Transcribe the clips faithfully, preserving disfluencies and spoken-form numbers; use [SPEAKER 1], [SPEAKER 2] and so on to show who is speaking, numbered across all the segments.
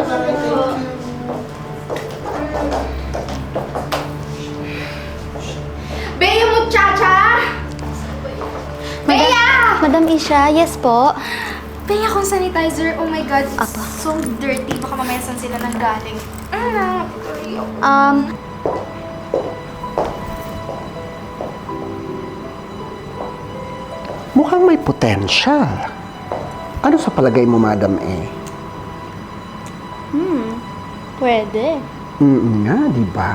[SPEAKER 1] bye. Thank you.
[SPEAKER 2] Bea muchacha! Bea!
[SPEAKER 3] Madam Isha, yes po.
[SPEAKER 2] Bea kung sanitizer, oh my god, it's
[SPEAKER 3] Apa.
[SPEAKER 2] so dirty. Baka mamaya saan sila nanggaling. Ah, tuloy ako.
[SPEAKER 3] Um,
[SPEAKER 1] Mukhang may potential. Ano sa palagay mo, Madam E?
[SPEAKER 3] hmm, pwede.
[SPEAKER 1] Mm nga, di ba?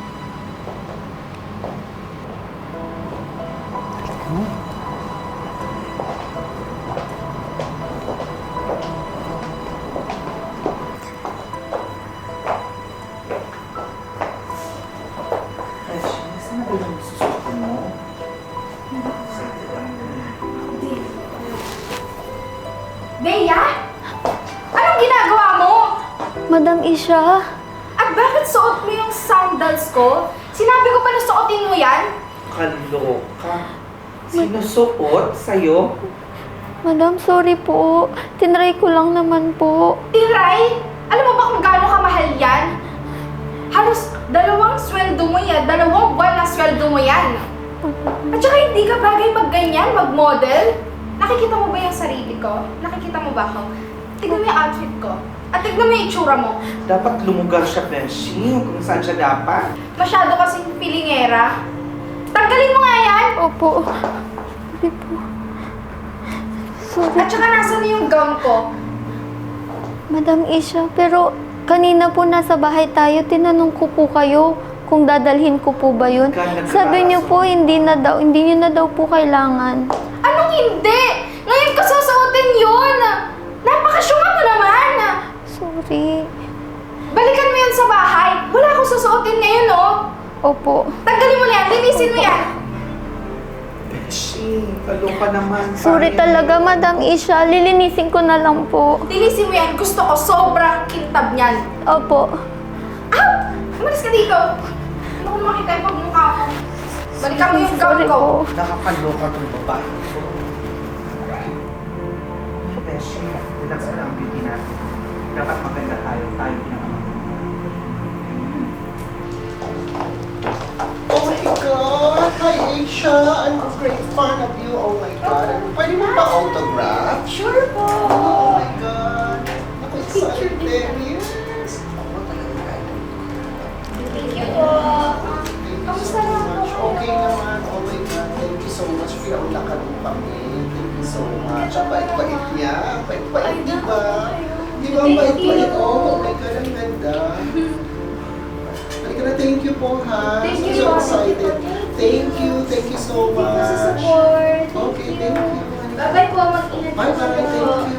[SPEAKER 2] Bea? Anong ginagawa mo?
[SPEAKER 3] Madam Isha,
[SPEAKER 2] At bakit suot mo yung sandals ko? Sinabi ko pa na suotin mo yan?
[SPEAKER 4] Kaloka. Sinusuot sa'yo?
[SPEAKER 3] Madam, sorry po. Tinry ko lang naman po.
[SPEAKER 2] Tiray! Alam mo ba kung gaano kamahal yan? Halos dalawang sweldo mo yan, dalawang buwan na sweldo mo yan. At saka hindi ka bagay mag ganyan, mag-model. Nakikita mo ba yung sarili ko? Nakikita mo ba ako? Tignan mo yung outfit ko. At tignan mo yung itsura mo.
[SPEAKER 4] Dapat lumugar siya, Beshi, kung saan siya dapat.
[SPEAKER 2] Masyado kasing pilingera. Tanggalin mo nga yan!
[SPEAKER 3] Opo. Sorry po. Sorry.
[SPEAKER 2] At saka nasa na yung gown ko?
[SPEAKER 3] Madam Isha, pero kanina po nasa bahay tayo, tinanong ko po kayo kung dadalhin ko po ba yun.
[SPEAKER 4] Ganda ka.
[SPEAKER 3] Sabi niyo po, hindi na daw, hindi niyo na daw po kailangan.
[SPEAKER 2] Anong hindi? Ngayon ko susuotin yun! Napakasyunga mo naman!
[SPEAKER 3] Sorry.
[SPEAKER 2] Balikan mo yun sa bahay. Wala akong susuotin ngayon, oh.
[SPEAKER 3] Opo.
[SPEAKER 2] Tanggalin mo na yan. Linisin mo yan.
[SPEAKER 4] Beshi, kaloka naman.
[SPEAKER 3] Sorry
[SPEAKER 4] Paano
[SPEAKER 3] talaga,
[SPEAKER 4] yun?
[SPEAKER 3] Madam Isha. Lilinisin ko na lang po.
[SPEAKER 2] Linisin mo yan. Gusto ko sobrang kintab niyan.
[SPEAKER 3] Opo.
[SPEAKER 2] Ah! Umalis ka dito. Ano kung makita yung pagmukha mo? Balikan mo yung gown
[SPEAKER 3] Sorry
[SPEAKER 2] ko.
[SPEAKER 3] po.
[SPEAKER 4] Nakakaloka tong babae ko. Beshi, relax na lang ang beauty natin. Dapat maganda tayo. Tayo pinakaman.
[SPEAKER 1] Oh my God! Hi, Aisha! I'm a great fan of you. Oh my God! Pwede mo ba autograph?
[SPEAKER 2] Sure po.
[SPEAKER 1] Oh my God! Ako
[SPEAKER 2] Picture
[SPEAKER 1] excited.
[SPEAKER 2] din.
[SPEAKER 1] Yes! Ako talaga.
[SPEAKER 2] Thank you po.
[SPEAKER 1] Thank you
[SPEAKER 2] Kamusta
[SPEAKER 1] so
[SPEAKER 2] naman
[SPEAKER 1] much.
[SPEAKER 2] po?
[SPEAKER 1] Okay naman. Oh my God. Thank you so much. Pinaulakan mo kami. Thank you so much. Ang bait-bait niya. Ang bait-bait, di ba? Di ba ang bait-bait? Oh my God, ang ganda. Halika na, thank you po ha.
[SPEAKER 2] Thank you
[SPEAKER 1] So
[SPEAKER 2] po.
[SPEAKER 1] excited. Thank you. Thank you so
[SPEAKER 2] Thank you sa
[SPEAKER 1] much.
[SPEAKER 2] support.
[SPEAKER 1] Okay, thank you.
[SPEAKER 2] Bye-bye po. Mag-ingat po.
[SPEAKER 1] Bye-bye. Thank you.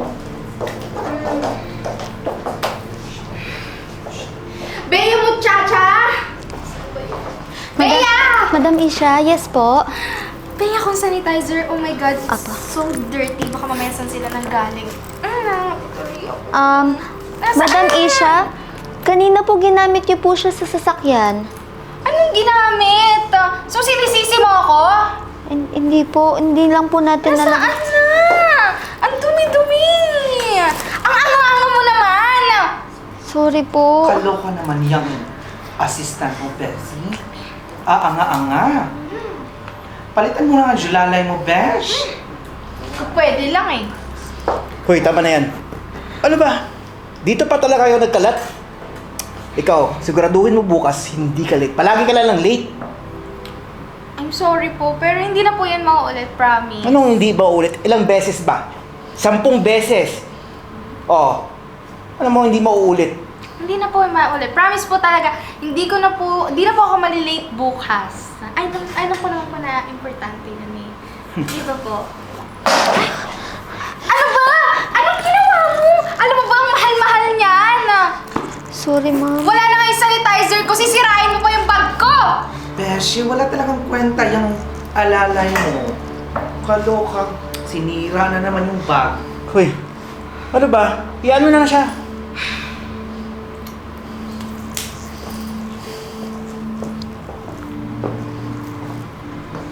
[SPEAKER 2] Bea muchacha!
[SPEAKER 3] Madam,
[SPEAKER 2] Bea!
[SPEAKER 3] Madam Isha, yes po.
[SPEAKER 2] Bea kung sanitizer, oh my god, it's
[SPEAKER 3] Apa.
[SPEAKER 2] so dirty. Baka mamaya saan sila nanggaling. Ah, tuloy ako.
[SPEAKER 3] Um,
[SPEAKER 2] Nasaan?
[SPEAKER 3] Madam Isha, kanina po ginamit niyo po siya sa sasakyan.
[SPEAKER 2] Anong ginamit? So, sinisisi mo ako?
[SPEAKER 3] Hin- Hindi po, hindi lang po natin
[SPEAKER 2] Nasaan
[SPEAKER 3] alam.
[SPEAKER 2] na? Ang dumi-dumi! Ang anga-anga mo naman!
[SPEAKER 3] Sorry po.
[SPEAKER 4] Kaloka naman yung assistant mo, Beshi. Ah, anga-anga. Palitan mo na ang julalay mo, Besh.
[SPEAKER 2] Pwede lang eh.
[SPEAKER 5] Hoy, tama na yan. Ano ba? Dito pa talaga kayo nagkalat? Ikaw, siguraduhin mo bukas, hindi ka late. Palagi ka lang late.
[SPEAKER 2] I'm sorry po, pero hindi na po yan mauulit, promise.
[SPEAKER 5] Anong hindi ba ulit? Ilang beses ba? Sampung beses. Oh, ano mo hindi mauulit?
[SPEAKER 2] Hindi na po maulit. Promise po talaga, hindi ko na po, hindi na po ako malilate bukas. Ay, ay, alam ko naman po na importante yun eh. Di ba po? Ay, ano ba? Anong ginawa mo? Alam mo ba ang mahal-mahal niyan?
[SPEAKER 3] Sorry, ma'am.
[SPEAKER 2] Wala na nga yung sanitizer ko, sisirain mo pa yung bag ko!
[SPEAKER 4] Beshi, wala talagang kwenta yung alalay mo. Kaloka. Sinira na naman yung bag.
[SPEAKER 5] Hoy, ano ba? Iyan mo na na siya.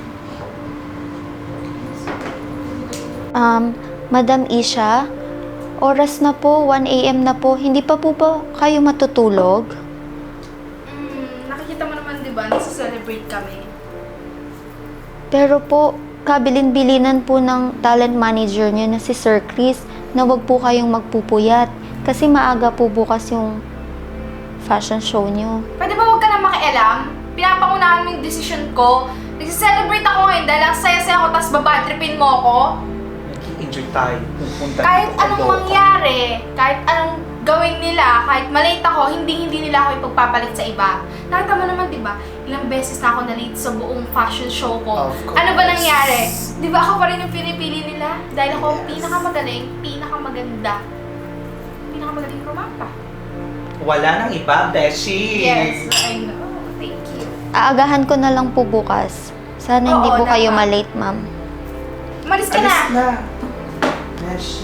[SPEAKER 3] Um, Madam Isha, Oras na po, one a.m. na po. Hindi pa po ba kayo matutulog?
[SPEAKER 2] Hmm, nakikita mo naman, di ba? Nasa-celebrate kami.
[SPEAKER 3] Pero po, kabilin-bilinan po ng talent manager niyo na si Sir Chris na wag po kayong magpupuyat kasi maaga po bukas yung fashion show niyo.
[SPEAKER 2] Pwede ba huwag ka na makialam? Pinapangunahan mo yung decision ko. Nag-celebrate ako ngayon dahil ang saya-saya ko tapos babadripin mo ako.
[SPEAKER 4] Nag-enjoy tayo. Pupunta
[SPEAKER 2] Kahit
[SPEAKER 4] dito sa
[SPEAKER 2] anong
[SPEAKER 4] Loka.
[SPEAKER 2] mangyari, kahit anong gawin nila, kahit malate ako, hindi-hindi nila ako ipagpapalit sa iba. Nakita mo naman, di ba? Ilang beses na ako na-late sa buong fashion show ko.
[SPEAKER 1] Of course.
[SPEAKER 2] Ano ba nangyari? Di ba ako pa rin yung pinipili nila? Dahil ako ang pinakamagaling, pinakamaganda, pinakamagaling rumapa.
[SPEAKER 4] Wala nang iba, Beshi.
[SPEAKER 2] Yes, I know. Thank you.
[SPEAKER 3] Aagahan ko na lang po bukas. Sana hindi
[SPEAKER 2] Oo,
[SPEAKER 3] po kayo
[SPEAKER 2] dapat.
[SPEAKER 3] malate, ma'am.
[SPEAKER 2] Malis ka
[SPEAKER 4] Alis
[SPEAKER 2] na!
[SPEAKER 4] na. Beshi.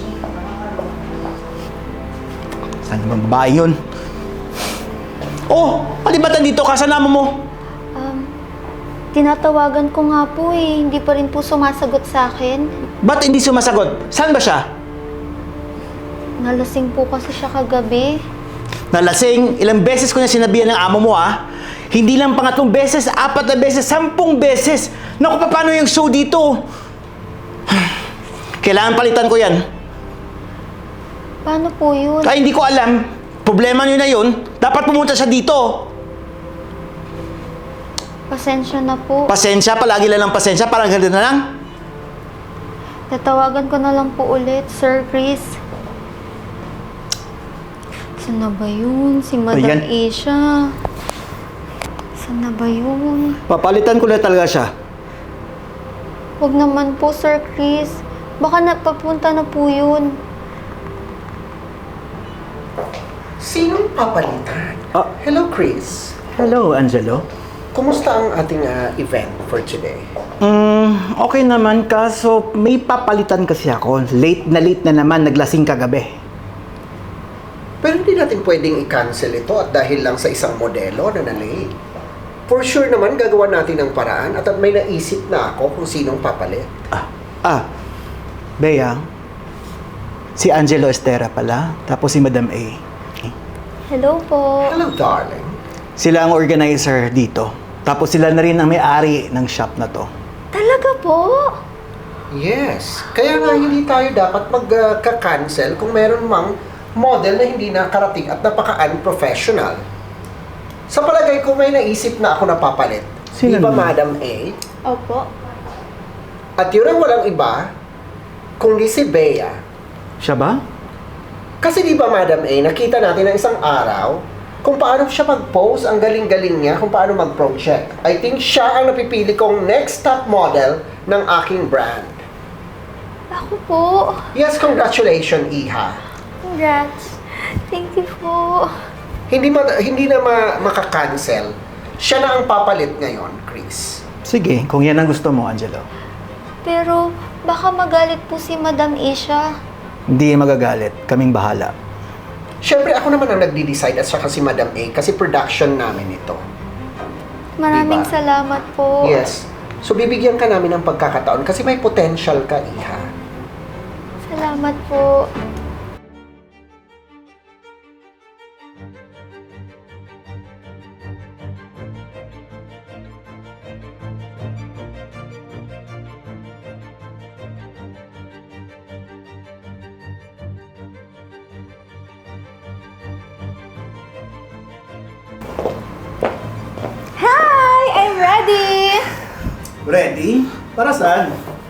[SPEAKER 5] Saan naman babae yun? Oh! Palibatan dito, kasama mo!
[SPEAKER 3] Um, tinatawagan ko nga po eh. Hindi pa rin po sumasagot sa akin.
[SPEAKER 5] Ba't hindi sumasagot? Saan ba siya?
[SPEAKER 3] Nalasing po kasi siya kagabi.
[SPEAKER 5] Nalasing, ilang beses ko na sinabihan ng amo mo ah. Hindi lang pangatlong beses, apat na beses, sampung beses. Naku, paano yung show dito? Kailangan palitan ko yan.
[SPEAKER 3] Paano po yun?
[SPEAKER 5] Ay, hindi ko alam. Problema nyo na yun. Dapat pumunta siya dito.
[SPEAKER 3] Pasensya na po.
[SPEAKER 5] Pasensya, palagi lang ng pasensya. Parang ganito na lang.
[SPEAKER 3] Tatawagan ko na lang po ulit, Sir Chris. Saan na ba yun? Si Madam
[SPEAKER 5] Ayan.
[SPEAKER 3] Asia. Saan na ba yun?
[SPEAKER 5] Papalitan ko na talaga siya.
[SPEAKER 3] Huwag naman po, Sir Chris. Baka napapunta na po yun.
[SPEAKER 1] Sinong papalitan?
[SPEAKER 5] Ah.
[SPEAKER 1] Hello, Chris.
[SPEAKER 5] Hello, Angelo.
[SPEAKER 1] Kumusta ang ating ah, event for today?
[SPEAKER 5] Mm, okay naman, kaso may papalitan kasi ako. Late na late na naman, naglasing kagabi.
[SPEAKER 1] Pero hindi natin pwedeng i-cancel ito at dahil lang sa isang modelo na na-late. For sure naman, gagawa natin ng paraan at may naisip na ako kung sinong papalit.
[SPEAKER 5] Ah, ah, Bea, si Angelo Estera pala, tapos si Madam A.
[SPEAKER 3] Hello po.
[SPEAKER 1] Hello, darling.
[SPEAKER 5] Sila ang organizer dito. Tapos sila na rin ang may-ari ng shop na to.
[SPEAKER 3] Talaga po?
[SPEAKER 1] Yes. Kaya nga hindi tayo dapat magka-cancel kung meron mang model na hindi nakarating at napaka-unprofessional. Sa palagay ko, may naisip na ako napapalit.
[SPEAKER 5] Sino
[SPEAKER 1] Di ba,
[SPEAKER 5] naman?
[SPEAKER 1] Madam A?
[SPEAKER 3] Opo.
[SPEAKER 1] At yun ang walang iba, kundi si Bea.
[SPEAKER 5] Siya ba?
[SPEAKER 1] Kasi di ba, Madam A, nakita natin na isang araw kung paano siya mag-pose, ang galing-galing niya, kung paano mag-project. I think siya ang napipili kong next top model ng aking brand.
[SPEAKER 3] Ako po.
[SPEAKER 1] Yes, congratulations, Iha.
[SPEAKER 3] Congrats. Thank you po.
[SPEAKER 1] Hindi ma- hindi na ma- maka-cancel. Siya na ang papalit ngayon, Chris.
[SPEAKER 5] Sige, kung yan ang gusto mo, Angelo.
[SPEAKER 3] Pero baka magalit po si Madam Asia.
[SPEAKER 5] Hindi magagalit. Kaming bahala.
[SPEAKER 1] Siyempre, ako naman ang nagdi-decide at saka si Madam A kasi production namin ito.
[SPEAKER 3] Maraming
[SPEAKER 1] Diba?
[SPEAKER 3] salamat po.
[SPEAKER 1] Yes. So, bibigyan ka namin ng pagkakataon kasi may potential ka, Iha.
[SPEAKER 3] Salamat po.
[SPEAKER 2] Hi! I'm ready!
[SPEAKER 5] Ready? Para saan?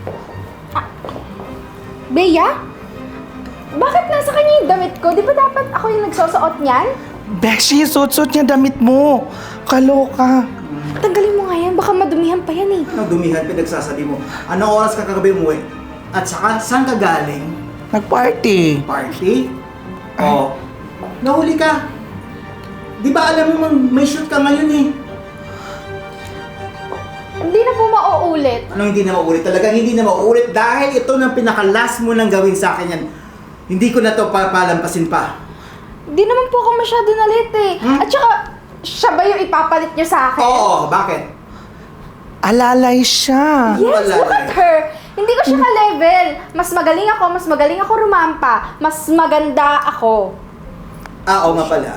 [SPEAKER 2] Bea? Bakit nasa kanya yung damit ko? Di ba dapat ako yung nagsusuot niyan?
[SPEAKER 4] Beshi, suot-suot niya damit mo. Kaloka.
[SPEAKER 2] Tanggalin mo nga yan, baka madumihan pa yan eh.
[SPEAKER 5] Ano dumihan pinagsasabi mo? Anong oras ka kagabi mo eh? At saka, saan ka galing?
[SPEAKER 4] Nag-party.
[SPEAKER 5] Party? Oo. Nahuli ka. Di ba alam mo mang may shoot ka ngayon eh?
[SPEAKER 2] Hindi na po mauulit.
[SPEAKER 5] Anong hindi na mauulit? Talagang hindi na mauulit dahil ito nang pinaka-last mo nang gawin sa akin yan. Hindi ko na to papalampasin pa.
[SPEAKER 2] Di naman po ako masyado nalit eh.
[SPEAKER 5] Hmm?
[SPEAKER 2] At saka, siya ba yung ipapalit niyo sa akin?
[SPEAKER 5] Oo, bakit?
[SPEAKER 4] Alalay siya.
[SPEAKER 2] Yes,
[SPEAKER 5] Wala
[SPEAKER 2] look
[SPEAKER 5] na
[SPEAKER 2] at
[SPEAKER 5] eh.
[SPEAKER 2] her. Hindi ko siya ka-level. Mas magaling ako, mas magaling ako rumampa. Mas maganda ako.
[SPEAKER 5] Ah, oo nga pala.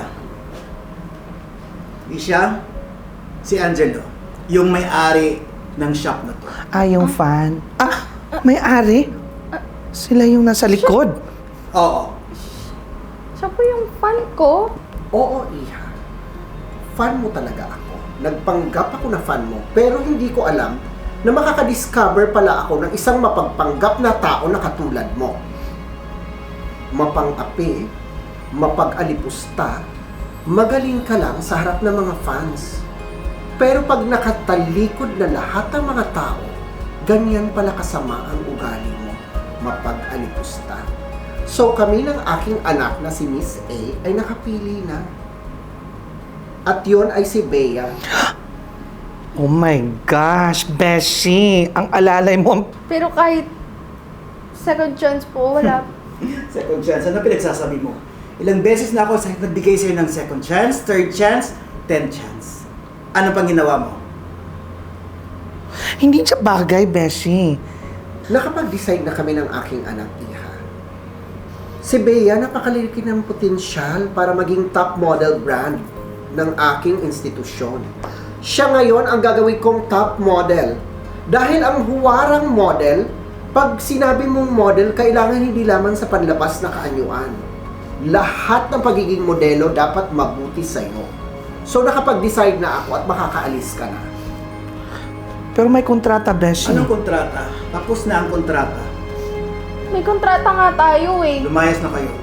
[SPEAKER 5] Isha, si Angelo, yung may-ari ng shop na to.
[SPEAKER 4] Ah, yung fan. Ah, may-ari? Sila yung nasa likod.
[SPEAKER 5] Oo.
[SPEAKER 2] Siya po yung fan ko.
[SPEAKER 1] Oo, Iha. Fan mo talaga ako. Nagpanggap ako na fan mo, pero hindi ko alam na makakadiscover pala ako ng isang mapagpanggap na tao na katulad mo. Mapang-api, mapag-alipusta, magaling ka lang sa harap ng mga fans. Pero pag nakatalikod na lahat ng mga tao, ganyan pala kasama ang ugali mo, mapag-alipusta. So kami ng aking anak na si Miss A ay nakapili na. At yon ay si Bea.
[SPEAKER 4] Oh my gosh, Beshi! Ang alalay mo.
[SPEAKER 2] Pero kahit second chance po, wala.
[SPEAKER 5] Second chance, ano pinagsasabi mo? Ilang beses na ako sa nagbigay sa'yo ng second chance, third chance, tenth chance. Ano pang ginawa mo?
[SPEAKER 4] Hindi siya bagay, Beshi.
[SPEAKER 1] Nakapag-decide na kami ng aking anak, Iha. Si Bea napakalaki ng potensyal para maging top model brand ng aking institusyon. Siya ngayon ang gagawin kong top model. Dahil ang huwarang model, pag sinabi mong model, kailangan hindi lamang sa panlabas na kaanyuan. Lahat ng pagiging modelo dapat mabuti sa'yo. So nakapag-decide na ako at makakaalis ka na.
[SPEAKER 4] Pero may kontrata, Beshi.
[SPEAKER 5] Anong kontrata? Tapos na ang kontrata.
[SPEAKER 2] May kontrata nga tayo eh.
[SPEAKER 5] Lumayas na kayo.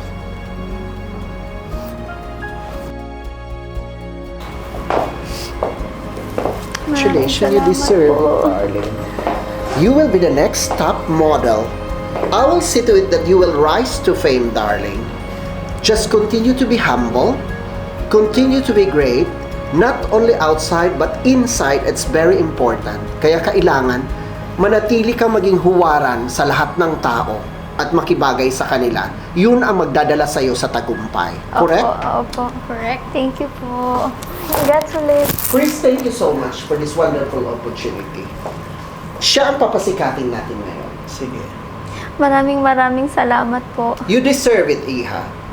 [SPEAKER 1] Congratulations, you deserve it, darling. You will be the next top model. I will see to it that you will rise to fame, darling. Just continue to be humble, continue to be great, not only outside but inside. It's very important. Kaya kailangan manatili kang maging huwaran sa lahat ng tao at makibagay sa kanila. Yun ang magdadala sa'yo sa tagumpay. Correct?
[SPEAKER 3] Opo, opo. Correct. Thank you po. Congrats ulit.
[SPEAKER 1] Chris, thank you so much for this wonderful opportunity. Siya ang papasikatin natin ngayon.
[SPEAKER 5] Sige.
[SPEAKER 3] Maraming maraming salamat po.
[SPEAKER 1] You deserve it, Iha.